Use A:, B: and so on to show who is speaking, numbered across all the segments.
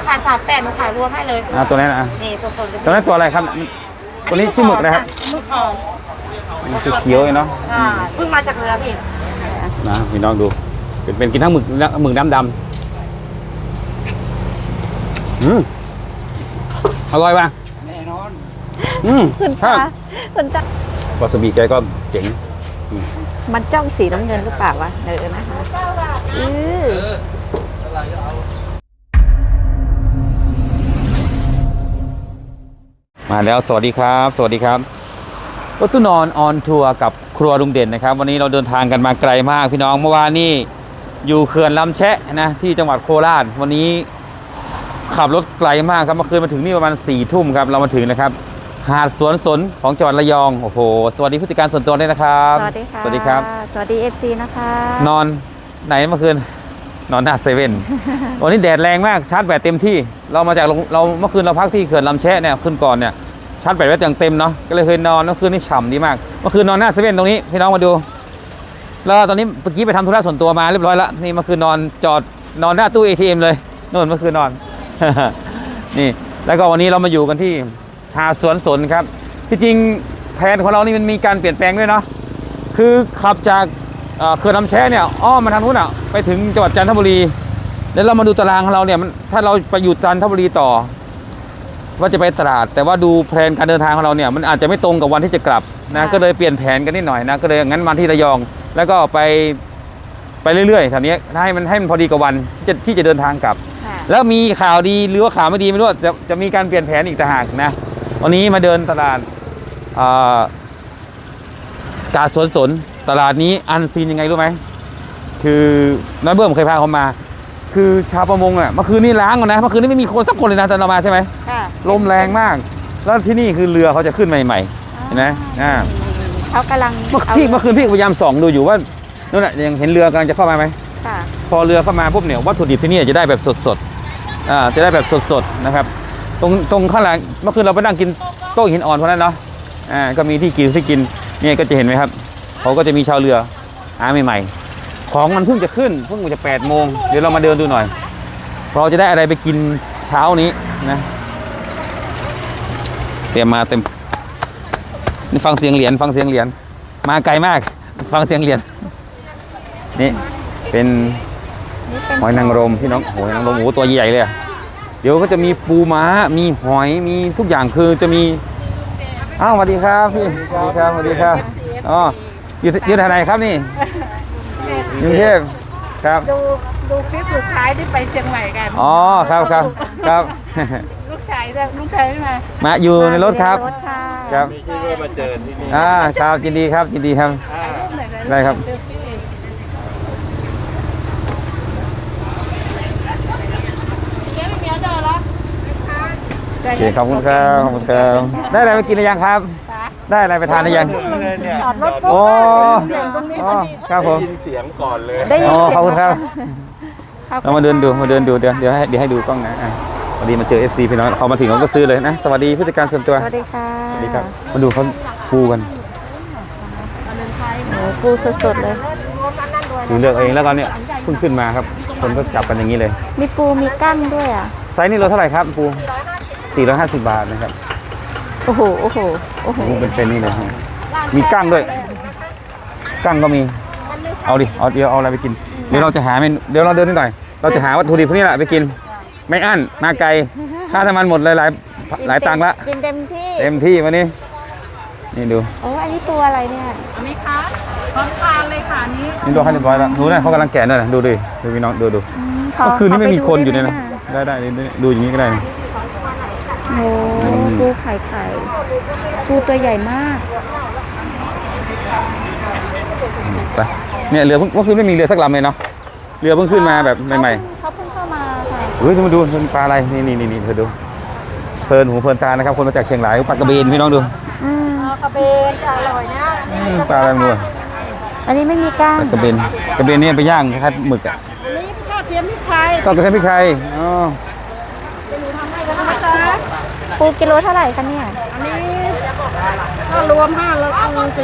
A: ขาย38หนูขายรวมให้เลย
B: ตัวนี้นะ
A: นี่สดๆ
B: ตัวนั้นตัวอะไรครับตัวนี้ชื่อหมึกนะครับ
A: หมึกอ่อน
B: มันคือเขียวเนาะ
A: ใช่เพิ่งมาจากเรือพี่
B: นะพี่น้องดูเป็นกินทั้งหมึกน้ำดำอร่อยป่ะแน่นอน
C: คุณคะคุณจ้าว
B: าซาบิแกก็เจ๋ง
C: มันจ้องสีน้ำเงินหรือเปล่าวะนะคะ
B: มาแล้วสวัสดีครับสวัสดีครับรถตู้นอนออนทัวร์กับครัวลุงเด่นนะครับวันนี้เราเดินทางกันมาไกลมากพี่น้องเมื่อวานนี้อยู่เขื่อนลำแชะนะที่จังหวัดโคราชวันนี้ขับรถไกลมากครับเมื่อคืนมาถึงนี่ประมาณ4 ทุ่มครับเรามาถึงนะครับหาดสวนสนของจังหวัดระยองโอ้โหสวัสดีผู้จัดการส่วนตัวด้วยนะครับ
C: สวัสดีค่ะ
B: สวัสดีครับ
C: สวัสดี FC นะคะ
B: นอนไหนเมื่อคืนนอนหน้าเซเว่นวันนี้แดดแรงมากชาร์จแบตเต็มที่เรามาจากเราเมื่อคืนเราพักที่เขื่อนลำแชะเนี่ยขึ้นก่อนเนี่ยชาร์จแบตไว้อย่างเต็มเนาะก็เลยเคยนอนเมื่อคืนนี่ฉ่ำดีมากเมื่อคืนนอนหน้าเซเว่นตรงนี้พี่น้องมาดูแล้วตอนนี้เมื่อกี้ไปทำธุระส่วนตัวมาเรียบร้อยแล้วนี่เมื่อคืนนอนจอดนอนหน้าตู้ ATM เลยนู่นเมื่อคืนนอน นี่แล้วก็วันนี้เรามาอยู่กันที่หาดสวนสนครับที่จริงแผนของเรานี่มันมีการเปลี่ยนแปลงด้วยเนาะคือขับจากเขื่อนลำแชะเนี่ยอ้อมมาทางนู้นอ่ะไปถึงจังหวัดจันทบุรีแล้วเรามาดูตารางของเราเนี่ยถ้าเราไปอยู่จันทบุรีต่อว่าจะไปตราดแต่ว่าดูแผนการเดินทางของเราเนี่ยมันอาจจะไม่ตรงกับวันที่จะกลับนะก็เลยเปลี่ยนแผนกันนิดหน่อยนะก็เลยงั้นมาที่ระยองแล้วก็ไปเรื่อยๆแถวนี้ให้มันพอดีกับวันที่จะเดินทางกลับแล้วมีข่าวดีหรือว่าข่าวไม่ดีไม่รู้จะมีการเปลี่ยนแผนอีกต่างหากนะวันนี้มาเดินตลาดกาดสวนสนตลาดนี้อันซีนยังไงรู้ไหมคือน้อยเบิ้มเคยพาเขามาคือชาวประมงอ่ะเมื่อคืนนี้ล้างก่อนนะเมื่อคืนนี้ไม่มีคนสักคนเลยนะตอนเรามาใช่ไหมลมแรงมากแล้วที่นี่คือเรือเขาจะขึ้นใหม่ๆเห็นไหม
C: เขากำลัง
B: เมื่อคืนพี่พยายามส่องดูอยู่ว่านั่นแหละยังเห็นเรือกำลังจะเข้ามาไหมพอเรือเข้ามาปุ๊บเนี่ยวัตถุดิบที่นี่จะได้แบบสดๆจะได้แบบสดๆนะครับตรงข้างหลังเมื่อคืนเราไปนั่งกินโต๊ะหินอ่อนเพราะนั้นเนาะก็มีที่กินเนี่ยก็จะเห็นไหมครับเขาก็จะมีชาวเรือหาใหม่ๆของมันเพิ่งจะขึ้นเพิ่งจะ8 โมงเดี๋ยวเรามาเดินดูหน่อยเราจะได้อะไรไปกินเช้านี้นะเตรียมมาเต็มนี่ฟังเสียงเหรียญมาไกลมากฟังเสียงเหรียญนี่เป็นหอยนางรมพี่น้องหอยนางรมโอ้ตัวใหญ่เลยเดี๋ยวก็จะมีปูม้ามีหอยมีทุกอย่างคือจะมีอ้าวสวัสดีครับพี่สวัสดีครับอ๋ออยู่ที่ไหนครับนี่กรุงเทพครับ
A: ดูคลิปสุดท้ายที่ไปเชียงใหม่กัน
B: อ๋อครับ
A: ลูกชายไม่
B: มาอยู่ในรถครับครับ
D: ที่ว่ามาเจอที่นี่
B: ครับยินดีครับได้ครับโอเคขอบคุณครับได้อะไรไปกินหรือยังครับได้อะไรไปทานหรือยัง
A: จอดรถปุ๊บตรงนี้พอดี
B: ครับผม
D: ได้ยินเสียงก่อนเลย
B: ขอบคุณครับเรามาเดินดูเดี๋ยวให้ดูกล้องนะพอดีมาเจอ FC พี่น้องเขามาถึงเขาก็ซื้อเลยนะสวัสดีผู้จัดการส่วนตัว
C: สวัสดีค่ะ
B: สวัสดีครับมาดูเขาปูกัน
C: ปูสดๆเลย
B: ดูเลือกเองแล้วก็เนี่ยเพิ่งขึ้นมาครับคนก็จับกันอย่างนี้เลย
C: มีปูมีกั้งด้วยอ่ะ
B: ไซส์นี้เราเท่าไหร่ครับปู450 บาทนะครับ
C: โอ้โห
B: เป็นนี่เลยมีกั้งด้วยกั้งก็มีเอาเดี๋ยวเอาอะไรไปกินเดี๋ยวเราจะหาเดี๋ยวเราเดินนิดหน่อยเราจะหาวัตถุดิบพวกนี้แหละไปกินไม่อั้นมาไกลค่าน้ำมันหมดเลยหลายตังค์ละ
C: กินเต็ม
B: ที่วันนี้นี่ดู
C: โอ้อันนี้ตัวอะไรเนี่ย
A: อันนี้คะพร้อมทานเลยค่ะ
B: นี่ดูให้เรียบร้อยแล้วดูนะเขากำลังแกะด้วยดูพี่น้องดูเมื่อคืนนี้ไม่มีคนอยู่เนี่ยนะได้ดูอย่างนี้ก็ได้
C: โอ้ปูไข่ปูตัวใหญ่มาก
B: ไปเนี่ยเรือเมื่อคืนไม่มีเรือสักลำเลยเนาะเรือเพิ่งขึ้นมาแบบใหม่
C: ๆเขาเพิ่งเข้ามาค่ะ
B: มาดูเป็นปลาอะไรนี่เธอดูเพลินหูเพลินตานะครับคนมาจากเชียงรายปลากระเบนพี่น้องดู
A: กระเบนอร่อยนะ
B: ปลาอะไรมั้ง
C: อันนี้ไม่มีก้าง
B: กระเบนนี่ไปย่างคล้ายๆหมึกอ่ะ
A: นี่ทอดเทียมพริกไทย
B: ทอดกระเทียมพริกไทยอ๋อ
C: ปูกิโลเท่าไหร่คะเนี่ย
A: อันนี้ก็รวม5แล้ว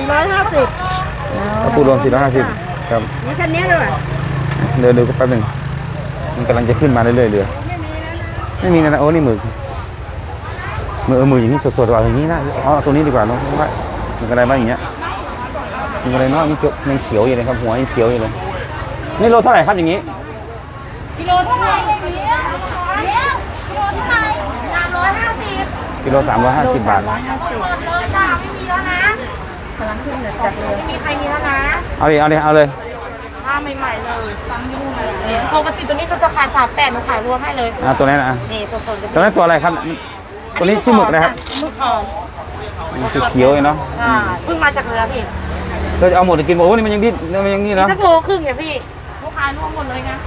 A: 450
B: ปูรวม450ครับ
A: นี่แค่นี้เลย
B: เดี๋ยวดูแป๊บนึงมันกำลังจะขึ้นมาเรื่อยๆเรือไม่มีนะโอ้นี่หมึกหมึกอย่างนี้สดๆว่ะอย่างนี้นะเอาตัวนี้ดีกว่าเนาะว่าหมึกอะไรบ้างอย่างเงี้ยหมึกอะไรเนาะนี่ยังเขียวอยู่เลยครับหัวยังเขียวอยู่เลยนี่โลเท่าไหร่ครับอย่างนี้
A: กิโลเท่าไหร่เนี่ยกิโลเท่าไหร่350
B: กิโล350 บาท
A: หมดเลยจ้าไม่มีแล้วนะกำลังขึ้นเหนือจากเลยไม่มีใครมีแล้วนะ
B: เอาเลย
A: ผ้าใหม่ๆเลยซ้ำยุ่งเลยปกติตัวนี้จะขาย38หนูขายรวมให้เลย
B: ตัวนี้นะ
A: นี่สดๆเลย
B: ตัวนั้นตัวอะไรครับตัวนี้ชื่อหมึกนะครับ
A: หมึกอ่อน
B: มันคือเขียวเลยเนาะ
A: ใช่เพิ่งมาจากเรือพี่
B: เราจะเอาหมดกินโอ้นี่มันยังดิ้นมันยังนี่เนาะ
A: สักโลครึ่งเนี่ยพี่ลูกค้ารวมหมดเลยนะ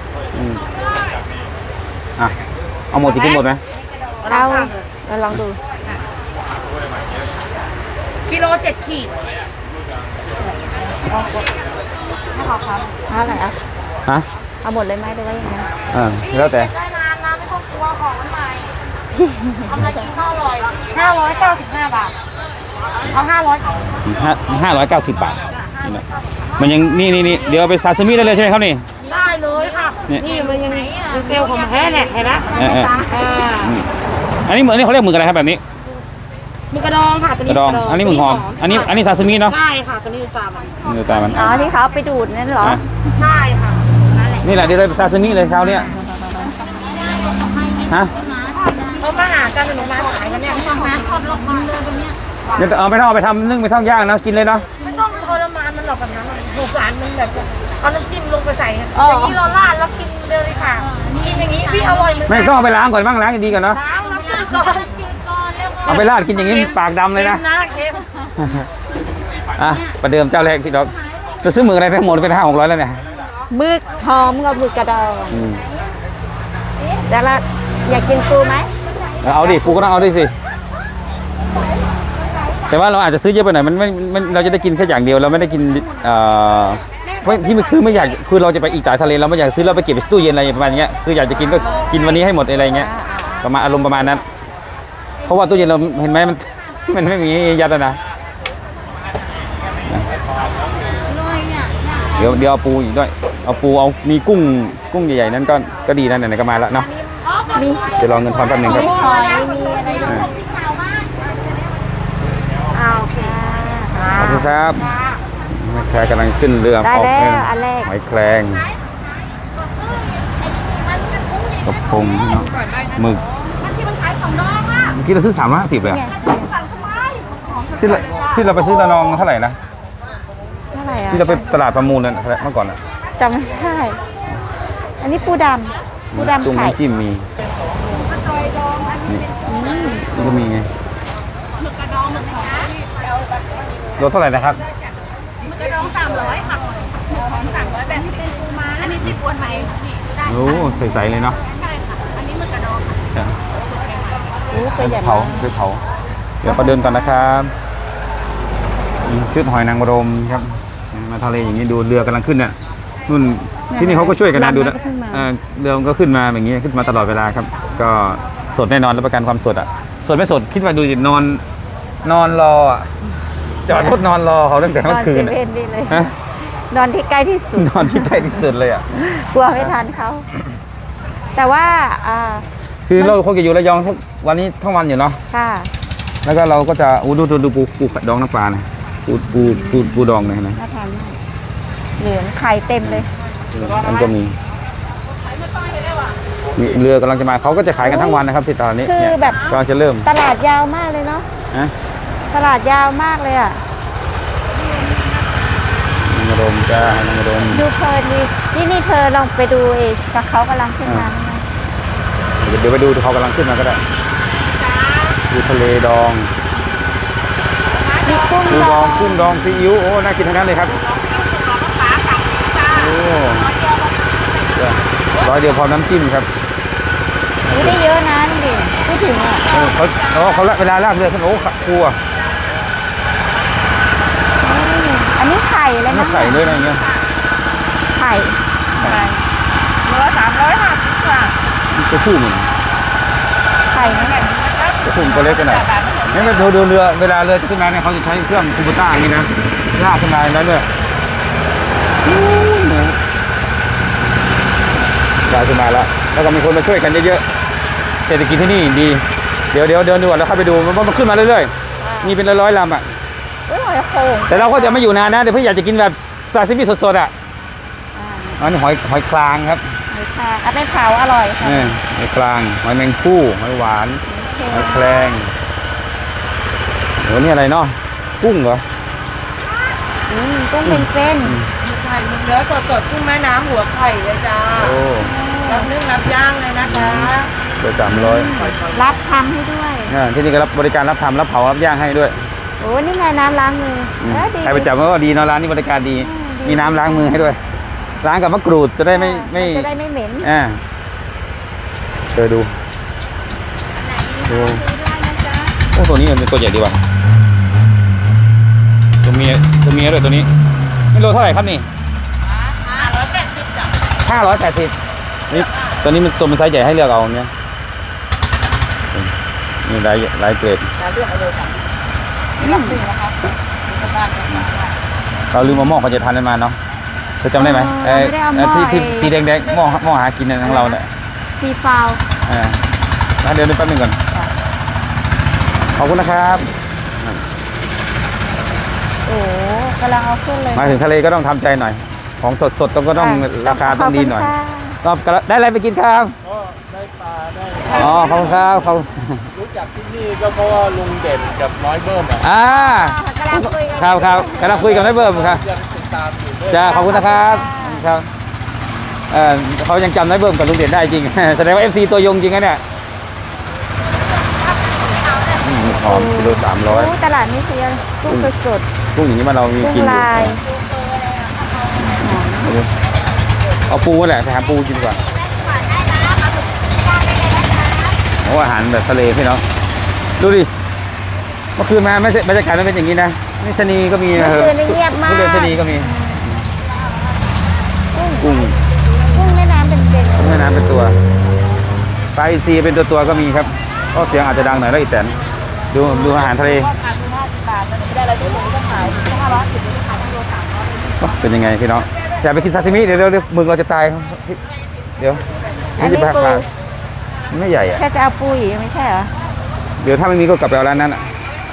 B: อ่ะเอาหมดจะกินหมดไหม
C: เอาเราลองดู
A: กิโล7 ขีดไม่ขอครับ
C: เอาอะไรอ่ะ
B: ฮะ
C: เอาหมดเลยไหมหรือว่ายังไง
B: แล้วแต่
A: ได้นานนะไม่ต้องกลัวของมันใหม่ทำอะไรกินข้าวอร่อย595 บาทเอา
B: 590 บาทมันยังนี่เดี๋ยวเอาไปซาซิมิได้เลยใช่ไหมครับนี่
A: ได้เลยค่ะ นี่มันยังเป็นเซลล์ของแท้เนี่ยเห็นไหม
B: อันนี้เขาเรียกหมึกอะไรครับแบบนี้
A: หมึกกระดองค่ะตัว
B: ก
A: นี้
B: ระดองอันนี้หมึกหอมอันนี้ซาซิมิเนาะ
A: ใช่ค่ะตัวนี้ปลามัน
B: เนื้อตามัน
C: อ๋อที่เขาเอาไปดูดนั่นเหรอ
A: ใช่ค่ะนั่นแหละ
B: นี่แหละเดี๋ยวเราไปซาซิมิเลยเช้าเนี้ยฮะ
A: เขามาหากันหนูมาขายกันเนี่ยทำมาทอดลงมาเลยตรงเนี้ย
B: เดี๋ยวเอาไปทอดไปทำนึ่งไปทอดย่างนะกินเลยเนาะ
A: ไม่ต้องทรมานมันหรอกแบบนั้นหนูสารมันแบบเอาน้ำจิ้มลงไปใส่อย่างนี้เราราดแล้วกินเลยค่ะกินอย่างนี้พี่อร่อยเหมือน
B: ไม่ต้องเอาไปล้างก่อนบ้างล้างดีก่อนเนาะ
A: ล้างแล้วจืดก่อนจืดก่อนเร็ว
B: เอาไปราดกินอย่างนี้ปากดำเลยนะ
A: เค็ม
B: อ่ะประเดิมเจ้าแรกที่เราซื้อหมึกอะไรทั้งหมดเป็น500-600แล้วเนี่ย
C: หมึกหอมกับหมึกกระดองแล้วเราอยากกินปูไหม
B: เอาดิปูก็ต้องเอาด้วยสิแต่ว่าเราอาจจะซื้อเยอะไปหน่อยมันเราจะได้กินแค่อย่างเดียวเราไม่ได้กินเพราะที่มันคือไม่อยากคือเราจะไปอีกสายทะเลเราไม่อยากซื้อเราไปเก็บไปตู้เย็นอะไรประมาณอย่างเงี้ยคืออยากจะกินก็กินวันนี้ให้หมดอะไรเงี้ยประมาณอารมณ์ประมาณนั้นเพราะว่าตู้เย็นเราเห็นไหมมันไม่มียัดนะเดี๋ยวเอาปูอีกด้วยเอาปูเอามีกุ้งใหญ่ๆนั้นก็ดีนะไหนๆก็มาแล้วเนาะ
C: มี
B: จะรอเงินทอนแป๊บนึงครับ
C: หอยมีอะไรด้วย
A: โอเค
B: ขอบคุณครับแม่แคร์กำลังขึ้นเรือ
C: ได้
B: ออก
C: แล้ว
B: เงิน
C: อันแรก
B: หอยแครงกระพงเนาะหมึก
A: ที่มันขายของน้องอ่ะ
B: เมื่อกี้เราซื้อ350เลยอะ
C: เนี่ย
A: สั่งทำไม
B: ที่เราไปซื้อระนองเท่าไหร่นะ
C: เท่าไหร่อ่ะ
B: ที่เราไปตลาดประมูลนั่นเมื่อก่อนอะ
C: จำไม่ได้ อันนี้ปูดำปู
B: จุ่ม
C: ดำไข่
B: น้ำจิ้มมีนี่ก็มีไงรถเท่าไหร่นะครับ
A: กระดอง300ค่ะ300แบบที่เป็นปูม้าอันนี้ติดอวนไหมได้
B: โอ้ใสๆเลยเนาะ
A: อันนี้มันกระดอง
C: โอ้ตัวใหญ่
B: เผาม
C: าก
B: ไปเผาเดี๋ยวประเดินก่อนนะครับซื้อหอยนางรมครับมาทะเลอย่างนี้ดูเรือกำลังขึ้นเนี่ยนู่นที่นี่เขาก็ช่วยกันนะดูนะเรือมันก็ขึ้นมาอย่างนี้ขึ้นมาตลอดเวลาครับ ก็สดแน่นอนรับประกันความสดอ่ะสดไม่สดคิดว่าดูดินอนรออ่ะจอดรถนอนรอเขาตั้งแต่
C: น
B: เมื่
C: อ
B: อน คื
C: เซ
B: น
C: เว่นนี่เลย
B: ฮะ
C: นอนที่ใกล้ที่สุด
B: นอนที่ใกล้ที่สุดเลยอ่ะ
C: กลัวไม่ทันเขา แต่ว่า
B: คือเราคงจะอยู่ระยองทุกวันนี้ทั้งวันอยู่เนาะ
C: ค่ะ
B: แล้วก็เราก็จะดูปูดองน้ำปลานะปูดองเลยนะ
C: น่าทานมากเหลืองไข่เต็มเลย
B: มันก็มีเรือกำลังจะมาเขาก็จะขายกันทั้งวันนะครับที่ตอนนี้
C: คือ
B: เนี่ย
C: แบบ
B: ก็จะเริ่ม
C: ตลาดยาวมากเลยเนาะ
B: นะ
C: ตลาดยาวมากเลยอ่ะ
B: นางรมจ้านางรม
C: ดูเพลินดีนี่เธอลองไปดูเองกับเขากำลังขึ้นมาไหม
B: เดี๋ยวไปดูเขากำลังขึ้นมาก็ได้ดูทะเลดอง
C: มีกุ้ง
B: ปู
C: ด
B: ด
C: อ
B: อง งกุ้งดองซีอิ๊วโอ้น่ากินทั้งนั้นเลยครับโอ้100 เดียวพร้อมน้ำจิ้มครับ
C: อุ๊ยได้เยอะนะลุงดิพูดถึงอ่ะ
B: เขาเวลาลากเรือขึ้นโอ้กลัว
C: อันนี้ไข่เลย
B: ไม่
C: นะ
B: ใส่เลยอะไรเงี้ย
C: ไข่
A: 300ค่ะค่ะ
B: ตัวผู้มัน
C: ไข่นั่นแหละ
B: ตัวผู้ตัวเล็กกันหน่อยนี่มาดูเรือเวลาเรือจะขึ้นมาเนี่ยเขาจะใช้เครื่องคูโบต้าอย่างนี้นะลากขึ้นมาแล้วเนี่ยลากขึ้นมาแล้วก็มีคนมาช่วยกันเยอะๆเศรษฐกิจที่นี่ดีเดี๋ยวเดินดูก่อนแล้วเข้าไปดูมันขึ้นมาเรื่อยๆมีเป็นร้อยๆลำอ่ะ
C: อุ้ยหอยโข่ง
B: แต่เราก็จะไม่อยู่นานนะเดี๋ยวเพื่ออยากจะกินแบบซาซิมิสดๆอ่ะอันนี้หอยคลางครับ
C: หอยค่ะเอาไปเผาอร่อยค่ะ
B: นี่หอยคลางหอยแมงผู้หอยหวานหอยแครงโหนี่อะไรเนาะกุ้งเหรอ
C: กุ้งเป็น
A: มีไข่มีเนื้อสดๆกุ้งแม่น้ำหัวไข่เลยจ้า
B: โอ้
A: รับนึ่งรับย่างเลยนะคะ
B: เกือบ300
C: รับทำให้ด้วย
B: ที่นี่ก็รับบริการรับทำรับเผารับย่างให้ด้วย
C: โอ้นี่ไงน้ำล้างมือดี
B: ใครไปจับก็ดีเนาะร้านนี้บริการดี มีน้ำล้างมือให้ด้วยล้างกับมะกรูดจะได้ไม่
C: จะได้ไม่เหม็น
B: เจอดูโอ้ตัวนี้มันเป็นตัวใหญ่ดีว่ะตัวเมียด้วยตัวนี้นี่โลเท่าไหร่ครับนี่580นี่ตัวนี้มันตัวมันไซส์ใหญ่ให้เลือกเอาเนี่ยนี่หลายเกรด
A: เลือกเอาเลยค่ะไม่รับดึงนะคะ
B: เราลืมมาหม้อเขาจะทานได้มาเนาะจะจำได้ไหมที่สีแดงๆหม้อหากินของเราเนี่ย
C: ซีฟาว
B: เดี๋ยวแป๊บนึงก่อนขอบคุณนะครับ
C: โอ้กำลังเอาขึ้นเลย
B: มาถึงทะเลก็ต้องทำใจหน่อยของสดๆก็ต้องราคาต้องดีหน่อยก็ได้อะไรไปกินครับ
D: ก็ได้ปลาได้
B: อ๋อขอบคุณครับเขา
D: รู้จักที่นี่ก็เพราะว่าลุงเด่นกับน้อยเบิ้มอ่ะ
C: กำลังคุยกัน
B: ครับกำลังคุยกับนายเบิร์มครับ
D: ยังติดตามอยู่ด้วย
B: จ้าขอบคุณนะครับครับเขายังจำนายเบิร์มกับลุงเด่นได้จริง แสดงว่า FC ตัวยงจริงนะเนี่ยหอมกิโล300
C: ตลาดนี้คือกุ้งสด
B: กุ้งอย่างนี้มันเรามี
C: กุ้ง
B: กินอยู่
C: ลาย
B: เอาปูแหละไปหาปูกินก่อนโอ้อาหารแบบทะเลพี่น้องดูดิเมื่อคืนมาไม่ใช่บรรยากาศมันเป็นอย่างนี้นะนี่ชะนีก็มี
C: เมื่อคืนนี้เงียบมาก
B: ทุเรียนชะนีก็มีกุ้ง
C: กุ้งแม่น้ำเป็น
B: แม่น้ำเป็นตัวปลาอินทรีเป็นตัวก็มีครับก็เสียงอาจจะดังหน่อยแล้วอีกแต่ดูอาหารทะเล
A: ขายคือ50 บาทมันไม่ได้อะไรทุกคนก็ขาย510ขายทั้งโล300
B: เป็นยังไงพี่น้องอยากไปกินซาซิมิเดี๋ยวมึงเราจะตายเดี๋ยว
C: อันนี้ปู
B: ไม่ใหญ่อะ
C: แค่จะเอาปูอีกไม่ใช่เหรอ
B: เดี๋ยวถ้าไม่มีก็กลับไปเอาร้านนั้นอ่ะ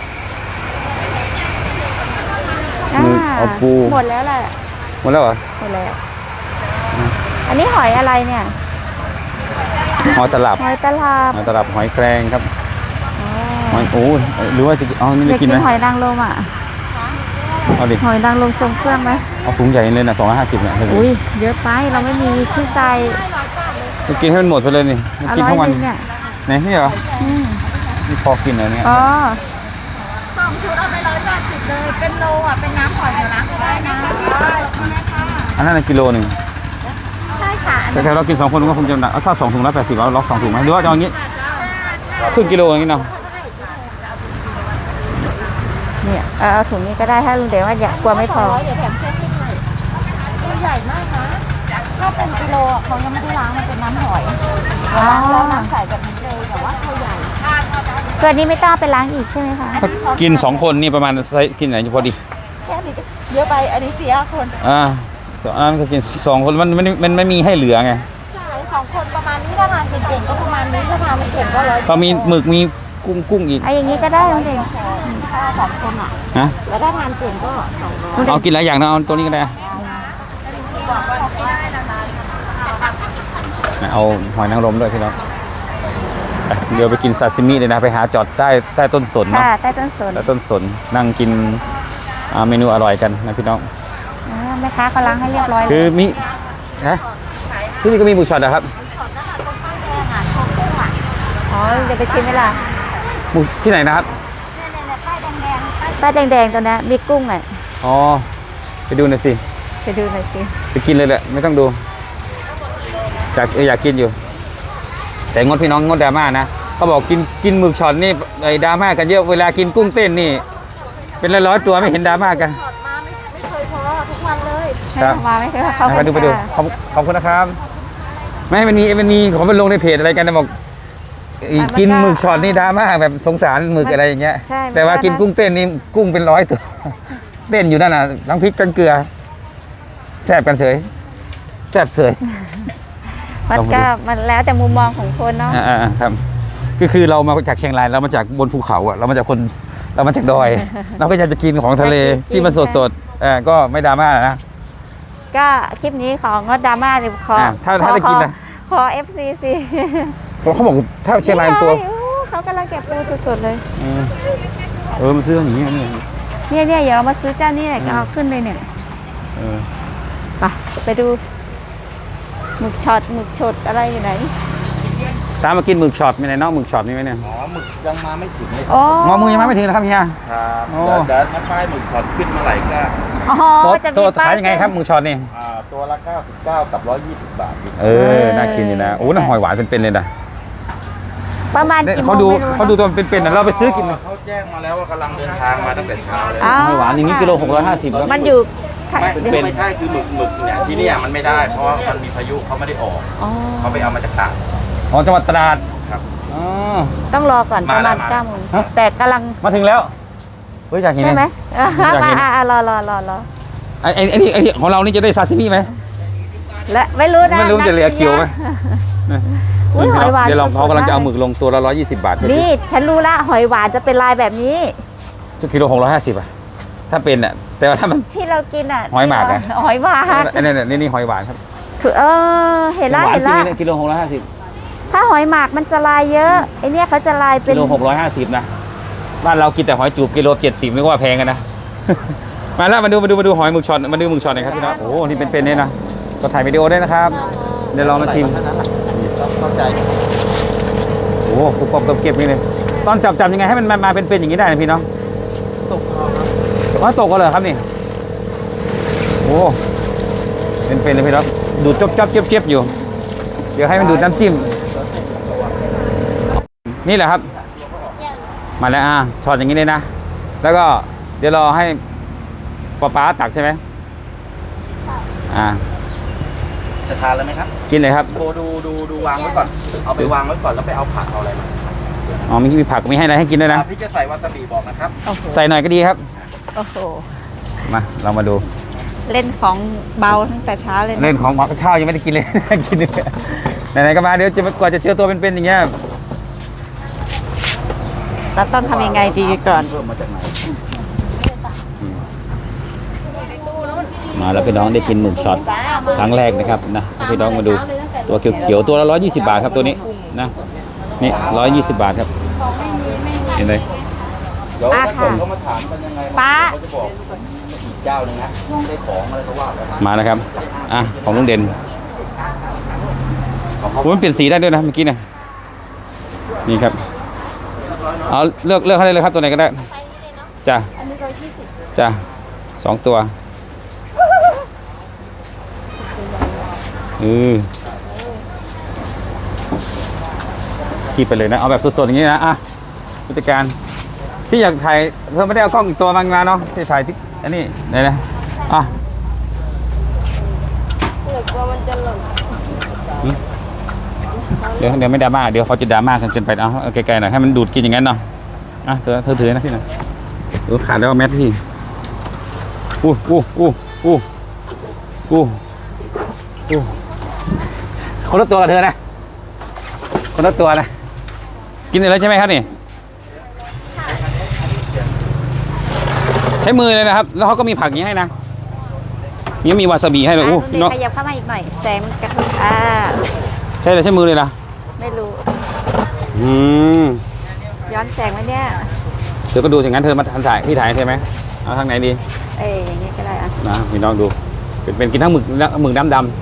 B: เอาปู
C: หมดแล้วแหละ
B: หมดแล้วเหรอ
C: หมดแล้ว อันนี้หอยอะไรเนี่ย
B: หอยตลับ
C: หอยตลาบ
B: หอยตลับหอยแครงครับหอยโอ้หรือว่าจะอ๋อนี่
C: เด็
B: ไม่
C: ก
B: กิ
C: กิ
B: น
C: น
B: ไหม
C: หอยนางรมอ่ะ
B: เอาดิ
C: หอยนางรมทรงเครื่องไหม
B: เอาถุงใหญ่เลยนะ250เนี่ย
C: อุ้ยเยอะไปเราไม่มีที่ใส่
B: จะกินให้มันหมดไปเลยนี่
C: อ
B: กิน
C: ร่อย
B: ทั้งวัน
C: นึงเนี่ย
B: ไหนนี่เหรอ
C: อืม
B: นี่พอกินเหรอเนี่ย
C: อ๋อ
A: 2 ชุดเอาไป180เลยเป็นโลอ่ะเป็นน้ำหอยเดี๋ยวล้างก็ได้นะ
B: อันนั้นนะกิโลหนึ่ง
C: ใช่ค่ะ
B: แต่ถ้าเรากิน2 คนก็คงจะหนักถ้า2 ถุง180เอาล็อก2 ถุงไหมหรือว่าจะเอาอย่างนี้ครึ่งกิโลอย่างนี้เนาะ
C: เนี่ยเอาถุงนี้ก็ได้ถ้าลุงเดี๋ยวว่าอยากกลัวไม่พอ
A: เดี๋ยวแถมเส้นให้หน่อยตัวใหญ่มากนะถ้าเป็นกิโลอ่ะเขายังไม่ได้ล้างมันเป็นน้ำหอย
C: อ๋อ
A: แล้วน้ำใสแบบนี้เลยแต่ว่าตัวใหญ่
C: ตัวนี้ไม่ต้องเอาไปล้างอีกใช่ไหมคะ
B: ถ้ากิน2 คนนี่ประมาณไซส์กินไหนพอดี
A: แค่นี้เยอะไปอันนี้4 คน
B: อันนั้นก็กิน2 คนมันไม่มีให้เหลือไง
A: ใช่2 คนประมาณนี้ถ้าทานเก่งๆก็ประมาณนี้ถ้าทานไม่เก่งก็100
B: เขามีหมึกมีกุ้งอีก
C: เอาอย่างนี้ก็ได้ลุงเด่น
A: ถ้า2 คนอ่ะ
B: ฮะ
A: แล้วถ้าทานเก่งก็200
B: เอากินหลายอย่างนะเอาตัวนี้ก็ได้เอาหอยนางรมด้วยพี่น้องไปเดี๋ยวไปกินซาซิมิเลยนะไปหาจอดใต้ต้นสนเนาะ
C: ค่ะใต้ต้นสน
B: ใต้ต้นสนนั่งกินเมนูอร่อยกันนะพี่น้อง
C: แม่ค้าเขาล้างให้เรียบร้อย
B: คือ
C: แล้ว
B: มีนะที่นี่ก็มีหมูช็อตนะครับ
C: อ๋อเดี๋ยวไปชิมไหมล่ะ
B: หมูที่ไหนนะครับ
C: ป้ายแดงๆตัวนี้มีกุ้งอ่ะ
B: อ๋อไปดูหน่อยสิ
C: ไปดูหน่อยสิ
B: ไปกินเลยแหละไม่ต้องดูอยากกินอยู่ แต่งดพี่น้องงดดราม่านะเขาบอกกินหมึกช็อตนี่ไอ้ดราม่ากันเยอะเวลากินกุ้งเต้นนี่ เป็นร้อยๆตัวไม่เห็นดราม่ากัน
A: ไม่เคยพอทุกวันเลย
B: ครับ
C: มาไม่เคยเข้า
B: ไปดูขอบคุณนะครับไม่มันมีเขาไปลงในเพจอะไรกันนะบอกกินหมึกช็อตนี่ดราม่าแบบสงสารหมึกอะไรอย่างเงี้ยแต่ว่ากินกุ้งเต้นนี่กุ้งเป็น100 ตัวเต้นอยู่นั่นน่ะทั้งพริกทั้งเกลือแซ่บกันเฉยแซ่บเสย
C: มันก็มันแล้วแต่มุมมองของคนเนาะ
B: ครับคือเรามาจากเชียงรายเรามาจากบนภูเขาอ่ะเรามาจากดอย เราก็อยากจะกินของทะเลที่มันสดๆก็ไม่ดราม่านะ
C: ก็คลิปนี้ของงดดราม่าเลยขอ
B: ถ้าได้กินนะ
C: ขอ FCC
B: เขาบอกถ้าเชียงรายตัว
C: ไม่ใช่เขากำลังเก็บปูสดๆเลย
B: มันซื้ออย่างนี้นี่
C: เนี่ยเดี๋ยวเรามาซื้อเจ้านี่แหละก็เอาขึ้นเลยเนี่ยไปดูหมึกช็อตอะไรอยู่ไหน
B: ตามมากินหมึกช็อตมีไหนนอกหมึกช็อตมีไหมเนี่ย
D: อ๋อหมึกยังมาไม่ถึงเลย
C: อ๋อ
B: งอมือยังไม่ถึงนะครับเฮีย
D: ครับ
B: โอ้
D: เดี๋ยวถ้าป้ายหมึกช็อตขึ้นเมื่อไหร่ก็
C: อ๋อจะ
B: ตัว
C: มีป้า
B: ขายยังไงครับหมึกช็อตนี่
D: ตัวละ99กับ120 บาทอยู่
B: น่ากินอยู่นะโอ้น่าหอยหวานเป็นๆเลยนะ
C: ประมาณกี่โมง
B: เขาดูตัวเป็นๆนะเราไปซื้อกิน
D: เขาแจ้งมาแล้วว่ากำลังเดินทางมาตั้งแต่เช้าเลย
B: หอยหวานอย่างนี้กิโล650ครับ
C: มันอยู่
D: ไม่ใช่คือหมึกเนี่ยที่เนี่ยมันไม่ได้เพราะว่ามันมีพายุเขาไม่ได้ออก
C: อ๋อ
D: เขาไปเอามาจากตาก
B: จังหวัดตราด
D: ครับ
C: ต้องรอก่อนประมาณ9 โมง
B: ฮะ
C: แต่กำลัง
B: มาถึงแล้วเฮ้ยอยากเห็น
C: ใช่ไหม
B: อยากเห็น
C: รอ
B: ไอ้นี่ของเรานี่จะได้ซาซิมิไหม
C: และไม่รู้นะ
B: ไม่รู้จะเหลือคิวไหม
C: อุ๊ยหอยหวาน
B: เดี๋ยวเรา
C: สดๆ
B: เขากำลังจะเอาหมึกลงตัวละ120 บาท
C: นี่ฉันรู้ละหอยหวานจะเป็นลายแบบนี้
B: กิโล650อ่ะถ้าเป็นอ่ะแต่ว่าถ้ามัน
C: ที่เรากินอ่ะ
B: หอยหมากอะ
C: หอยหวาน
B: นี่หอยหวานครับ
C: คือเห็นละ
B: หวาน
C: เห็น
B: จริ
C: ละ
B: งๆกิโล650
C: ถ้าหอยหมากมันจะลายเยอะไอเนี้ยเขาจะลายเป็
B: กิ
C: น
B: โล650นะบ้านเรากินแต่หอยจูบกิโล70นึกว่าแพงกันนะ มาแล้วมาดูหอยหมึกช็อตมาดูหมึกช็อตหน่อยครับพี่น้องโอ้นี่เป็นเนี่ยนะก็ถ่ายวิดีโอได้นะครับเดี๋ยวลองมาชิม
D: เข้าใจ
B: โอ้ปุ๊บปั๊บเก็บนี่เลยตอนจับยังไงให้มันมาเป็นอย่างนี้ได้นะพี่น้อง
D: ตกเอาครับ
B: ว่าตกก็เลยครับนี่โอ้เป็นเลยพี่น้องดูดจับเจ็บอยู่ เดี๋ยวให้มันดูดน้ำจิ้มนี่แหละครับมาแล้วช็อตอย่างนี้เลยนะแล้วก็เดี๋ยวรอให้ป๊าตักใช่ไหม
D: จะทานแล้วไหมครับ
B: กินเลยครับ
D: ดูวางไว้ก่อนเอาไปวางไว้ก่อนแล้วไปเอาผักเอาอะไรมา
B: มีผักมีให้อะไรให้กินด้วยนะ
D: พี่จะใส่วาซาบิบอกนะครับ
B: ใส่หน่อยก็ดีครับ
C: โอ้โห
B: มาเรามาดู
C: เล่นของเบาตั้งแต่เช้าเลยนะ
B: เล่นของหมักข้าวยังไม่ได้กินเลย กินเลยไหนๆก็มาเดี๋ยวกว่าจะเจอตัวเป็นๆอย่างเงี้ย
C: เราต้องทำยังไงดีก่อน
D: เพิ่มมาจากไหน
B: มาแล้วพี่น้องได้กินหมึกช็อตครั้งแรกนะครับนะพี่น้องมาดูตัวเขียวๆตัวละ120 บาทครับตัวนี้นะนี่120 บาทครับเห็นไหม
D: เดี๋ยวถ้าเกิดเขามาถามกันยังไง
C: ป้า
D: เขาจะบอกอีกเจ้าหนึงนะได้ของอะไรก็ว่าไป
B: มาแล้วครับของลุงเด่นมันเปลี่ยนสีได้ด้วยนะเมื่อกี้เนี่ยนี่ครับเอาเลือกให้ได้เลยครับตัวไหนก็ได้จ้ะจ้ะ2 ตัวคีบไปเลยนะเอาแบบสดๆอย่างนี้นะผู้จัดการพี่อยากถ่ายเพิ่มไม่ได้เอากล้องอีกตัวมาเนาะที่ถ่ายที่อันนี้ไหนนะเดี๋ยวไม่ดราม่าเดี๋ยวเขาจะดราม่ากันจนไปเอาไกลๆหน่อยให้มันดูดกินอย่างนั้นเนาะเธอถือนะพี่นะดูขาดแล้วแมทพี่คนละตัวกับเธอนะคนละตัวนะกินอะไรใช่ไหมครับนี่ใช้มือเลยนะครับแล้วเขาก็มีผักอย่างนี้ให้นะยังมีวาซาบิให้เลยพี่น้อง
C: ขยับเข้ามาอีกหน่อยแสงมันกระทบ
B: ใช่เลยใช้มือเลยนะ
C: ไม่รู้ ย้อนแสงไหมเนี่ย
B: เดี๋ยวก็ดูอย่างนั้นเธอมาถ่ายพี่ถ่ายใช่ไหมเอาทางไหนดี
C: อย่างนี้ก็ได้
B: นะพี่น้องดูเป็นกินทั้งหมึกดำ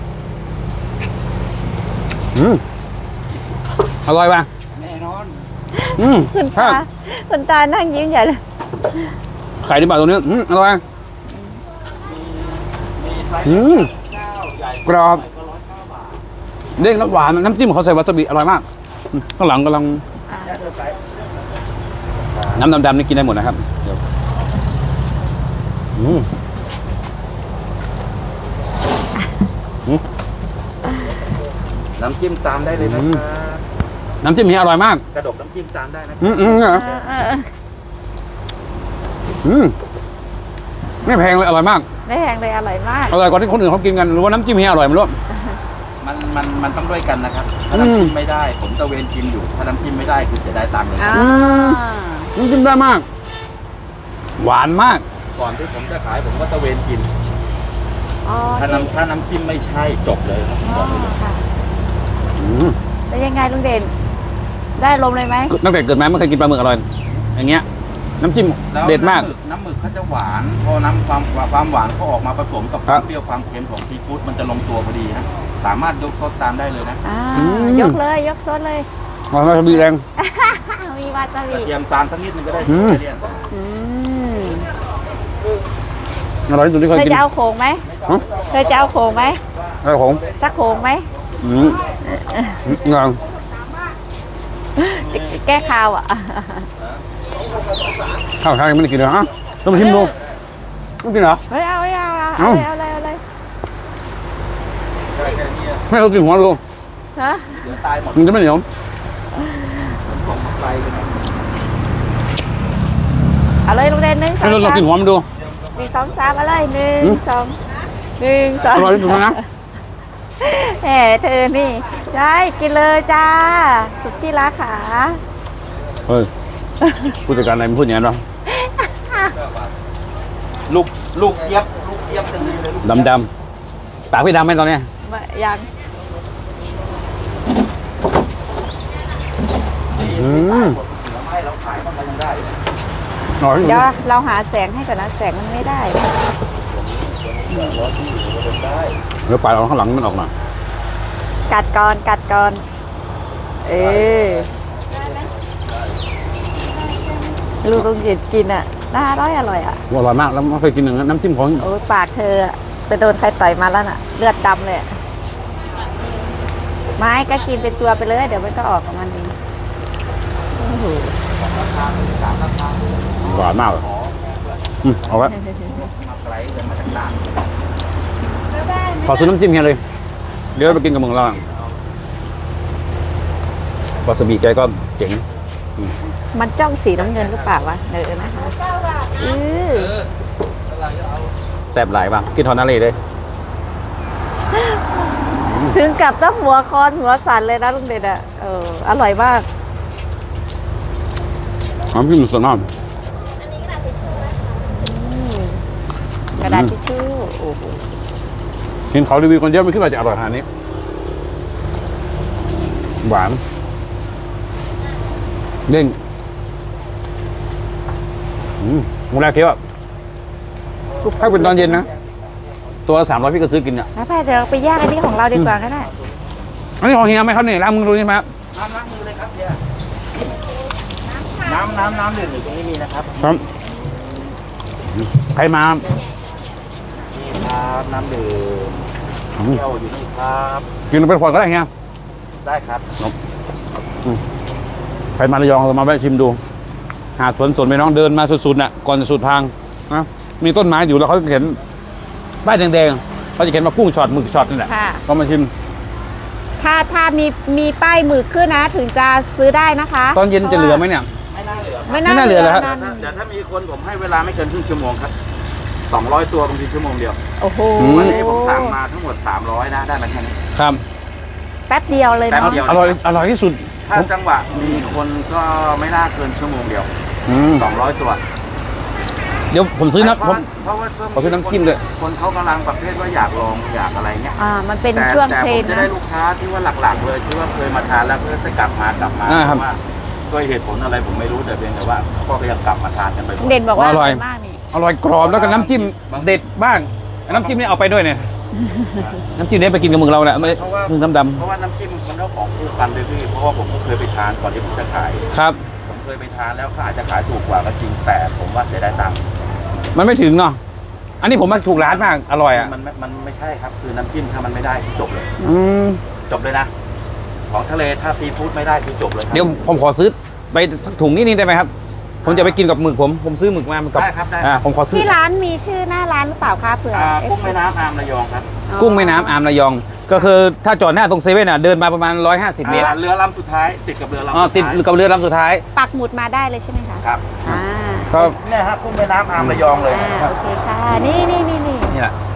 B: อร่อยป่ะ
D: แน่นอน
C: คุณตานั่งยิ้มใหญ่เลย
B: ไข่ที่บาทตัวนี้อร่อยกรอบเด้งน้ำหวานน้ำจิ้มเขาใส่วาซาบิอร่อยมากข้างหลังกำลังน้ำดำๆนี่กินได้หมดนะครับ
D: น้ำจิ้มตามได้เลยนะครับ
B: น้ำจิ้มนี้อร่อยมาก
D: กระดกน้ำจิ้มตามได้นะ
B: ไม่แพงเลยอร่อยมาก
C: ไม่แพงเลยอร่อยมาก
B: อร่อยกว่าที่คนอื่นเขากินกันหรือว่าน้ำจิ้มนี้อร่อยไม่รู้
D: มันต้องด้วยกันนะครับถ้าน้ำจิ้มไม่ได้ผมตะเวนกินอยู่ถ้าน้ำจิ้มไม่ได้คือจะได้ตังค์เลย
C: อ่า
B: น้ำจิ้มได้มาก หวานมาก
D: ก่อนที่ผมจะขายผมก็ตะเวนกิน
C: อ๋อ
D: ถ้าน้ำจิ้มไม่ใช่จบเลยครับ
C: อ๋อค่ะแล้วยังไงลุงเด่น ได้ลมเลยไหม
B: ตั้งแต่เกิดมาไม่เคยกินปลาหมึกอร่อย อย่างเงี้ย น้ำจิ้ม
D: แล้ว
B: เด็ดมาก
D: น้ำหมึกเขาจะหวานพอน้ำความหวานเขาออกมาผสมกับค
B: ครั
D: วา
B: บ
D: มเปรี้ยวความเค็มของซีฟู้ดมันจะลงตัวพอดีฮะสามารถยกซดตามได้เลยนะ
C: ยกเลยยกซดเลย
B: อ๋อมันมีแรง
C: มีวาซาบิ
D: เตรียมตามสักนิดนึงก็ได้
B: อืม
D: เรียน
C: อืม
B: อร่อยที่สุดที่เค
C: เธ
B: ย
C: อ
B: กิน
C: จะเอาโขงไหม
B: ฮะ
C: เธอจะเอาโขงไหม
B: อะไรของ
C: สักโขงไหม
B: งาน
C: แก้ข่าวอ่ะ
B: ข้าวไทยยังไม่ได้กินเลยอ่ะต้องมาชิมดูต้องกินเหรอ
C: ไม่เอาไม่เอาเอา
B: เอ้า
C: เอาเลยเอาเลย
B: ไม่เรากินหัวดู
C: ฮะ
D: เดี๋ยวตายหมด
B: มันจะไม่เหนียว
D: ส่งไปกันนะ
C: เอาเลยลุงเด่นหนึ่งสอ
B: ให้
C: ง
B: เรา
C: สาม
B: กินหัวมันดู
C: หนึ่งสองสามเอาเลยหนึ่ง
B: หืม
C: สองหนึ่งสอง
B: อร่อยที่สุดแล้วนะ
C: แหมเธอนี่ใช่กินเลยจ้า สุดที่รักขา
B: เฮ้ยผู้จัดการอะไรมันพูดอย่างนั้นหรอ
D: ลูกเจี๊ยบจะดีเลยลูก
B: ดำๆปากพี่ดำไหมตอนเนี้ย
C: ยัง
B: อืม
D: ผลไม้เราขายมันก็ยังได้
B: อร่อยที่สุด
C: เดี๋ยวเราหาแสงให้ก่อนนะแสงมันไม่ได้
B: เดี๋ยวปลายเอาข้างหลังมันออกมา
C: กัดก่อนกัดก่อนเออลูกลุงจิตกินอ่ะน่าอร่อยอ่ะ
B: อร่อยมากแล้วไม่เคยกินอย่างนั้นน้ำจิ้มของ
C: โอ้ยปากเธออะไปโดนใครต่อยมาแล้วน่ะ เลือดดำเลยอะไม่ก็กินเป็นตัวไปเลย เดี๋ยวมันก็ออกของมันเองโอ้โห
B: หวานมากเลยเอาไว้
D: มาไกลเลยมาจากต่าง
B: ขอซื้อน้ำจิ้มเฮียเลย เดี๋ยวไปกินกับมึงเราอ่ะวาซาบิแกก็เจ๋ง
C: มันจ้องสีน้ำเงินหรือเปล่าวะเนอนะคะอือ
B: แซ่บหลายบ้างกินทอนาเล่เลย
C: ถึงกับต้องหัวคอนหัวสั่นเลยนะลุงเด่นอ่ะอร่อยมาก
B: น้ำจิ้มสดมาก
C: กระดาษทิชชู่โอ้โห
B: เห็นเขารีวิวคนเยอะไม่คิดว่าจะอร่อยขนาดนี้ หวานเด้งวันแรกคิดว่าถ้าเป็นตอนเย็นนะ ตัวละ300พี่ก็ซื้อกินอ่ะ
C: แล้วไปเดี๋ยวเราไปย่างอันนี้ของเราดีกว่าก็ได้
B: อันนี้ของเฮียไหมครับเนี่ยร้านมึงรู้ใช่ไหมครับ
D: น้ำล้างมือเลยครับเนี่ยน้ำดื่มอยู่ตรงนี้มีนะครับ
B: ครับใครมา
D: นี่ครับน้ำดื่มเที่ยวอยู่นี่ครับ
B: กินเป็นขวดก็ได้เฮีย
D: ได้ครับ
B: ใครมาระยองเรามาแวะชิมดู หาดสวนไปน้องเดินมาสุดๆน่ะก่อนจะสุดทางนะมีต้นไม้อยู่แล้วเขาเขียนป้ายแดงๆเขาจะเขียนมากุ้งช็อตหมึกช็อตนี่แหละ
C: ค่ะ
B: ก็มาชิม
C: ถ้ามีป้ายหมึกขึ้นนะ ถึงจะซื้อได้นะคะ
B: ตอนเย็นจะเหลือไหมเนี่ย
D: ไม่น่าเหลือ
C: ไม่
B: ไม่น่าเหลือเลยครับ
C: นั่น
D: เดี๋ยวถ้ามีคนผมให้เวลาไม่เกินครึ่งชั่วโมงครับ200ตัวบางทีชั่วโมงเดียว
C: โอ้โห
D: วันนี้ผมสั่งมาทั้งหมด300นะได้มาแค่นี้
B: ครับ
C: แป๊บเดียวเลย
D: แป๊บ
C: เนาะ
D: เดียว
B: อร่อยที่สุด
D: ถ้าจังหวะมีคนก็ไม่น่าเกินชั่วโมงเดียว 200 ตัว
B: เดี๋ยวผมซื้อนะผม
D: เพราะว่าช่วง
B: ขอซื้อน้ำจิ้มด้วย
D: คนเขากำลังประเภทว่าอยากลองอยากอะไรเงี้ย
C: มันเป็น
D: แต่
C: ช่วง
D: แต่
C: เทร
D: ผม
C: นด์
D: จะ
C: นะ
D: ได้ลูกค้าที่ว่าหลักๆเลยที่ว่าเคยมาทานแล้วก็จะกลับมา
B: ครับ
D: เพราะว่าด้วยเหตุผลอะไรผมไม่รู้แต่เพียงแต่ว่าก็ยังกลับมาทานกันไป
C: เด่นบอกว่า
B: อร่อย
C: มากนี่
B: อร่อยกรอบแล้วก็น้ำจิ้มเด็ดบ้างน้ำจิ้มนี่เอาไปด้วยเนี่ยน้ำจิ้มนี่ไปกินกับมึงเราแหละไม่
D: เพราะว่า
B: มึงดำ
D: เพราะว่าน้ำจิ้มมันก็ของคู่กันเลยพี่เพราะว่าผมก็เคยไปทานก่อนที่ผมจะขาย
B: ๆครับ
D: ผมเคยไปทานแล้วเขาอาจจะขายถูกกว่าก็จริงแต่ผมว่าเสียดายตังค์
B: มันไม่ถึงเนาะอันนี้ผมมาถูกร้านมากอร่อยอ่ะ
D: มันไม่ใช่ครับคือน้ำจิ้มถ้ามันไม่ได้จบเลย
B: ม
D: จบเลยนะ ของทะเลถ้าซีฟู้ดไม่ได้คือจบเลยครับ
B: เดี๋ยวผมขอซื้อไปสักถุงนิดนึงได้ไหมครับ ผมจะไปกินกับหมึกผมซื้อหมึกมากับ
D: ได้ครับได้
B: ผมขอซื้อ
C: ที่ร้านมีชื่อหน้าร้านหรือเปล่าคะเผื่อ
D: กุ้งแม่น้ำอามระยองครับ
B: กุ้งแม่น้ำอามระยอง ก็คือถ้าจอดหน้าตรงเซเว่นอ่ะเดินมาประมาณ150 เมตร
D: เรือลำสุดท้ายติดกับเรือลำ
B: อ๋อติดกับเรือลำสุดท้าย
C: ปักหมุดมาได้เลยใช่ไหมคะ
D: ครับ
C: อ่า
B: ก็
D: เนี่ยฮะกุ้งแม่น้ำอามระยองเลย
C: โอเคค่ะนี่
B: นี่แหละ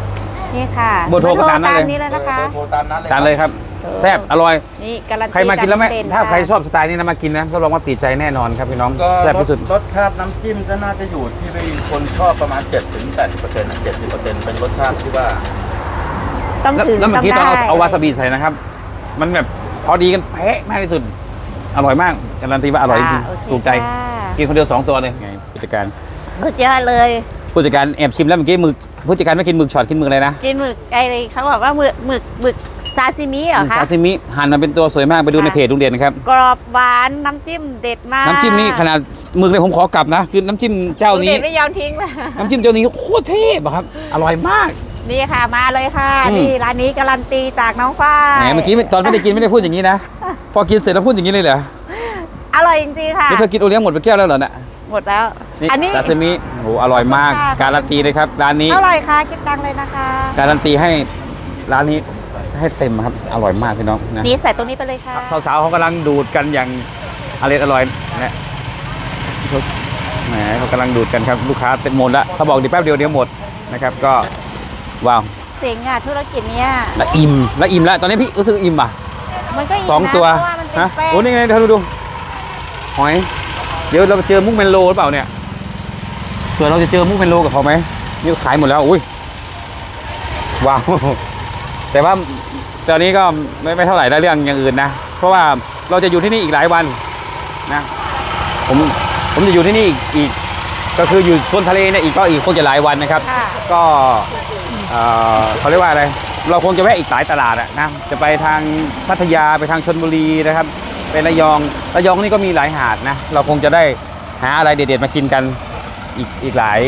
C: นี่ค่ะ
B: เบอร์โทรก็ตามนั้นเลย
C: นี้เลยนะคะ
D: โทรตามนั้นเลย
B: ทานเลยครับแซ่บอร่อย
C: นี่การันตี
B: ใครมากินแล้วไม่
C: เด่น
B: ถ้า
C: ค่ะ
B: ใครชอบสไตล์นี้นะมากินนะรับรองว่าติดใจแน่นอนครับพี่น้อง
D: ก็
B: แซ่บที่สุด
D: รสชาติน้ำจิ้มก็น่าจะอยู่ที่คนชอบประมาณ 7-80%นะ70%เป็นรสชาติที่ว่า
C: ต้องถึง
B: แล้วเมื่อกี้ตอน
C: ได้
B: เอาวาซาบิใส่นะครับ มันแบบพอดีกันเป๊ะมากที่สุด อร่อยมากการันตีว่าอร่อยจริง
C: โอเค
B: ถูกใจ
C: ค่ะ
B: กินคนเดียว2ตัวเลยไงผู้จัดการ
C: สุดยอดเลย
B: ผู้จัดการแอบชิมแล้วเมื่อกี้หมึกผู้จัดการไม่กินหมึกช็อตกินหมึกอะไรนะ
C: กินหมึกไอ้เขาบอกว่าหมึกซาซิมิเหรอคะ
B: ซาซิมิหั่นมาเป็นตัวสวยมากไปดูในเพจลุงเด่นนะครับ
C: กรอบหวานน้ำจิ้มเด็ดมาก
B: น้ำจิ้มนี่ขนาดหมึกเนี่ยผมขอกลับนะ คือน้ำจิ้มเจ้า
C: ลุง
B: นี้
C: เด็ดไม่ยอมทิ้งเลย
B: น้ำจิ้มเจ้านี้โคตรเทพอะครับ อร่อยมาก
C: นี่ค่ะมาเลยค่ะ
B: อืม
C: นี่ร้านนี้การันตีจากน้องฝ้าย
B: แหมเมื่อกี้ตอนไม่ได้กินไม่ได้พูดอย่างนี้นะ พอกินเสร็จแล้วพูดอย่างนี้เลยเหรอ
C: อร่อยจริงๆค่ะ
B: แล้วเธอกินโอเลี้ยงหมดไปแก้วแล้วเหรอเนี่ย
C: หมดแล้ว
B: นี่
C: อันนี้
B: ซาซิมิโอ้โหอร่อยมาก
C: ค่ะ
B: การันตีเลยครับร้านนี้
C: เท่าไหร่คะคิดตังค์เลยนะคะ
B: การันตีให้ร้านนี้ให้เต็มครับ อร่อยมากพี่น้องนะ
C: นี่ใส่ตรงนี้ไปเลยค่ะ
B: สาวๆเขากำลังดูดกันอย่างอร่อยนะแหมเขากำลังดูดกันครับลูกค้าเต็มหมดละเขาบอกเดี๋ยวแป๊บเดียวหมดนะครับก็ว้าว
C: เจ๋งอ่ะธุรกิจเนี้ย
B: ละอิ่มแล้วตอนนี้พี่รู้สึกอิ่มอ่ะ
C: มันก็ก
B: สอง
C: นะ
B: ตัว
C: เพราะว่ามันเป็น
B: ฮะ
C: แป้ง
B: โอ้นี่ไงเธอดูหอยเดี๋ยวเราเจอมุกเมนโลหรือเปล่าเนี่ยเผื่อเราจะเจอมุกเมนโลกับเขาไหมนี่ขายหมดแล้วอุ้ยว้าว แต่ว่าตอนนี้ก็ไม่เท่าไหร่ได้เรื่องอย่างอื่นนะเพราะว่าเราจะอยู่ที่นี่อีกหลายวันนะผมจะอยู่ที่นี่อีกก็คืออยู่ชนทะเลเนี่ยอีกคงจะหลายวันนะครับ
C: ค่ะ
B: ก็เขาเรียกว่าอะไรเราคงจะแวะอีกหลายตลาดอะนะจะไปทางพัทยาไปทางชลบุรีนะครับไประยองนี่ก็มีหลายหาดนะเราคงจะได้หาอะไรเด็ดๆมากินกันอีกหลาย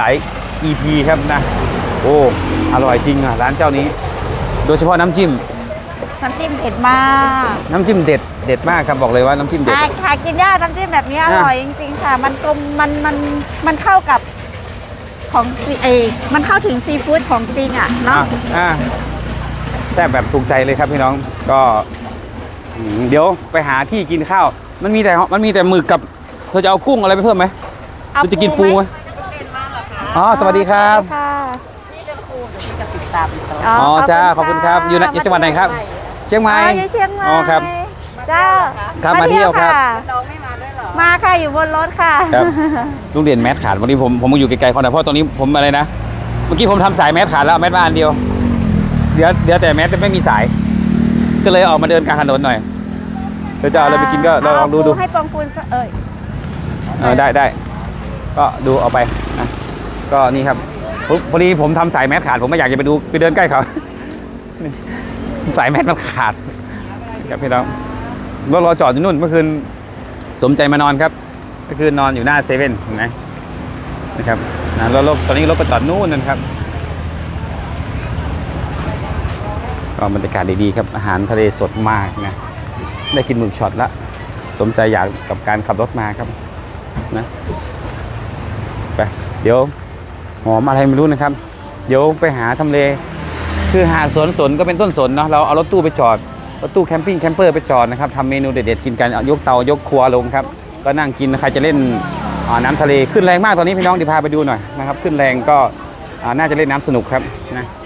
B: EP ครับนะโอ้อร่อยจริงอ่ะร้านเจ้านี้ โดยเฉพาะน้ำจิ้ม
C: น้ำจิ้มเผ็ดมาก
B: น้ำจิ้มเด็ดมากครับบอกเลยว่าน้ำจิ้มเด็ด
C: หากินยากน้ำจิ้มแบบนี้อ
B: อ่ะ
C: ร่อยจริงๆค่ะ มันกลมมันเข้ากับของมันเข้าถึงซีฟู้ดของจริงอ่ะเนาะ
B: แซ่บแบบถูกใจเลยครับพี่น้องก็เดี๋ยวไปหาที่กินข้าวมันมีแต่หมึกกับเธอจะเอากุ้งอะไรไปเพิ่มไหมเธอจะกินปูไหมอ๋อสวัสดีครับ
C: ค่ะ
B: อ๋อจ้าขอบคุณครับอยู่จังหวัดไหนครับเชียงใหม่
C: อยู่เชียงใหม่
B: อ๋อครับ
C: จ้า
B: ครับมาเที่ยวครับ
C: น้องไม่มาด้วยเหรอมาค่ะอยู่บนรถค่ะ
B: ครับลุงเด่นแมสขาดวันนี้ผมมาอยู่ไกลๆเขาหน่อยเพราะตอนนี้ผมอะไรนะเมื่อกี้ผมทำสายแมสขาดแล้วเอาแมสมาอันเดียวเดี๋ยวแต่แมสไม่มีสาย ก็เลยออกมาเดินกลางถนนหน่อยเธอจะเอาอะไรไปกินก็ลองดู
C: ให้ปองคูณ
B: ได้ก็ดูเอาไปนะก็นี่ครับพอดีผมทำสายแมสขาดผมไม่อยากจะไปเดินใกล้เขาสายแมสมันขาดครับพี่น้องรอจอดอยู่นู่นเมื่อคืนสมใจมานอนครับเมื่อคืนนอนอยู่หน้าเซเว่นเห็นไหมนะครับนะรถตอนนี้รถไปจอดนู่นนะครับก็บรรยากาศดีๆครับอาหารทะเลสดมากนะได้กินหมึกช็อตละสมใจอยากกับการขับรถมาครับนะไปเดี๋ยวหอมอะไรไม่รู้นะครับเดี๋ยวไปหาทำเลคือหาดสนก็เป็นต้นสนเนาะเราเอารถตู้ไปจอดรถตู้แคมปิ้งแคมเปอร์ไปจอดนะครับทำเมนูเด็ดๆกินกันยกเตายกครัวลงครับก็นั่งกินใครจะเล่นน้ำทะเลขึ้นแรงมากตอนนี้พี่น้องเดี๋ยวพาไปดูหน่อยนะครับขึ้นแรงก็น่าจะเล่นน้ำสนุกครับนะ